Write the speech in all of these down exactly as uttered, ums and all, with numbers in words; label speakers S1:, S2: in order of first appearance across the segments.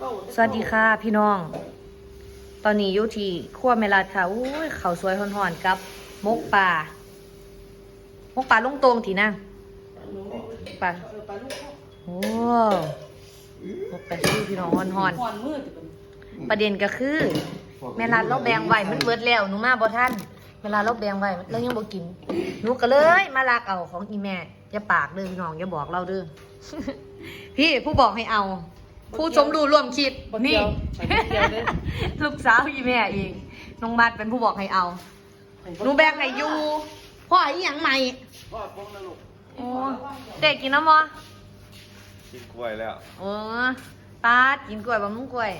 S1: สวัสดีค่ะพี่น้อง ตอนนี้อยู่ที่ครัวแม่รัดค่ะอุ้ยข้าวสวยห่อนๆกับมกปลามกปลาลุงตรงที่นั่งปลาโอ้มกปลาชื่อพี่น้องห่อนๆประเด็นก็คือแม่รัดเราแบ่งไว้มันเบิดแล้วหนูมาบ่ทันเวลาเราแบ่งไว้เรายังบ่กินหนูก็เลยมาลักเอาของอีแม่อย่าปากเด้อพี่น้องอย่าบอกเราเด้อ พี่ผู้บอกให้เอาผู้สมรู้ร่วมคิดนี่ ลูกสาวอีแม่เองน้องมัดเป็นผู้บอกให้เอาหนูแบ่งให้อยู่พ่ออีหยังใหม่พ่อป้องนะลูกโอ้เด็กกินน้ำมั้
S2: กินกล้วยแล้ว
S1: โอ้ป้ากินกล้วยบะมุงกล้วย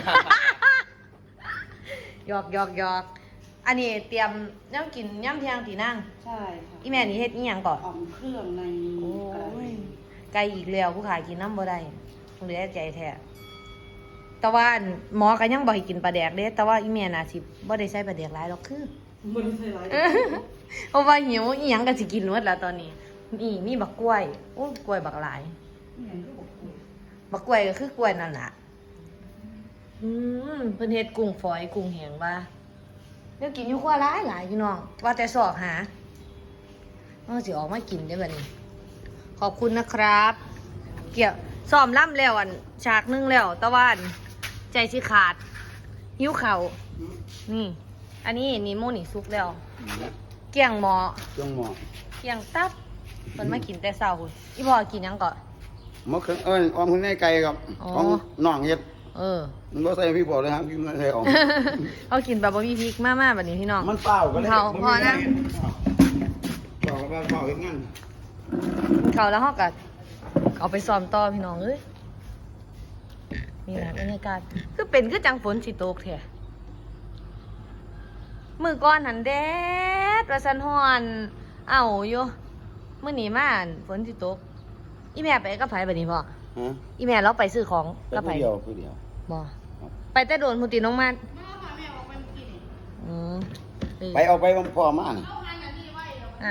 S1: หยอกหยอกหยอกอันนี้เตรียมย่ำกินย่ำเที่ยงตีนั่ง
S3: ใช่ค่ะ
S1: อีแม่นี่เฮ็ดอีหยังก่อน
S3: อ่อมเครื่องใน
S1: โอ้ยไก่อีกแล้วผู้ขายกินน้ำบ่ได้เหลือใจแท้แต่ว่าหมอก็ยังบ่ให้กินปลาแดกเด้แต่ว่าอีแม่น่ะสิบ่ได้ใช้ปลาแดกหลายหรอกคือ
S3: บ่ได้ใส่หลาย
S1: เพราะว่าหิวอีหยังก็สิกินหมดแล้วตอนนี้นี่มีบักกล้วยโอ้กล้วยบักหลายบักกล้วยก็คือกล้วยนั่นล่ะอืมเพิ่นเฮ็ดกุ้งฝอยกุ้งแห้งว่าเดี๋ยวกินอยู่ครัวหลายหลายพี่น้องว่าแต่สอกหาเออสิออกมากินได้บัดนี้ขอบคุณนะครับเกี่ยวซ้อมล่ำแล้วอันฉากนึงแล้วตะวันใจสิขาดหิวเข่านี่อันนี้นี่โมนี่ซุกแล้วเกี่ยงหมอ
S2: เกี่ยงหมอ
S1: เกี่ยงตับมันมากินแต่เช้าคุณอีพ่อกินยังก่อน
S2: หมอเครื่องเอ้ยออมคุณแม่ไก่ครับของน้องเฮ็ด
S1: เออ
S2: มันบ่ใส่พี่บอกเลยครับพี่มันใส่ออม
S1: เขากินแบบบ่มีพริกมากๆแบบนี้พี่น้อง
S2: มันเปล่าก็เลย
S1: เขาพอนะ
S2: บอกว่าเปล่าเฮ็ดงาน
S1: เขาแล้วเฮาก็เอาไปซ้อมต่อพี่น้องเอ้ยนี่นะบรรยากาศคือเป็นคือจังฝนสิตกแท้มื้อก่อนหันแดดว่าซั่นฮ้อนเอ้าอยู่มื้อนี้มาฝนสิตกอีแม่ไปกับไผบัดนี้พ่อฮะอีแม่เราไปซื้อของกับไผ
S2: เดียวผู้เดียว
S1: บ่ไปแต่โดนพุ่นติน้องมันอืม
S2: ไปเอาไปพ่อมานี่
S1: อ่า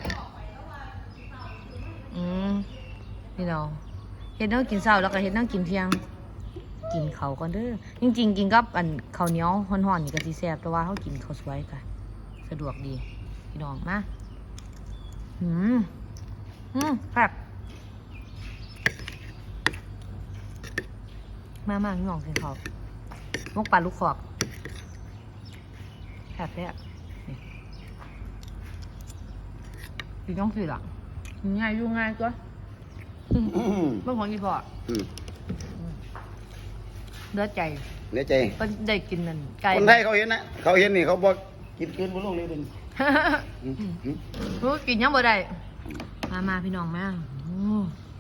S1: อืมนี่น้องเฮ็ดแนวกินเช้าแล้วก็เฮ็ดแนวกินเที่ยงกินข้าวก่อนเด้อจริงๆกินกับอันข้าวเหนียวฮ้อนๆนี่ก็สิแซ่บแต่ว่าเฮากินข้าวสวยก็สะดวกดีพี่น้องมาหืมหืมครับมามาพี่น้องกินข้าวมกปลาลูกขอกแบบนี้นี่กินต้องสิล่ะง่ายยุ่งง่ายก็เมื่อของกี่พอเลือดใจ
S2: เลือดใจ
S1: ก็ได้กินนั่นไก่
S2: คนไทยเขาเห็นนะเขาเห็นนี่เขาบอกกินเกินบนโลกเลยดิ
S1: รู้กินยังบ่ได้มามาพี่น้องมา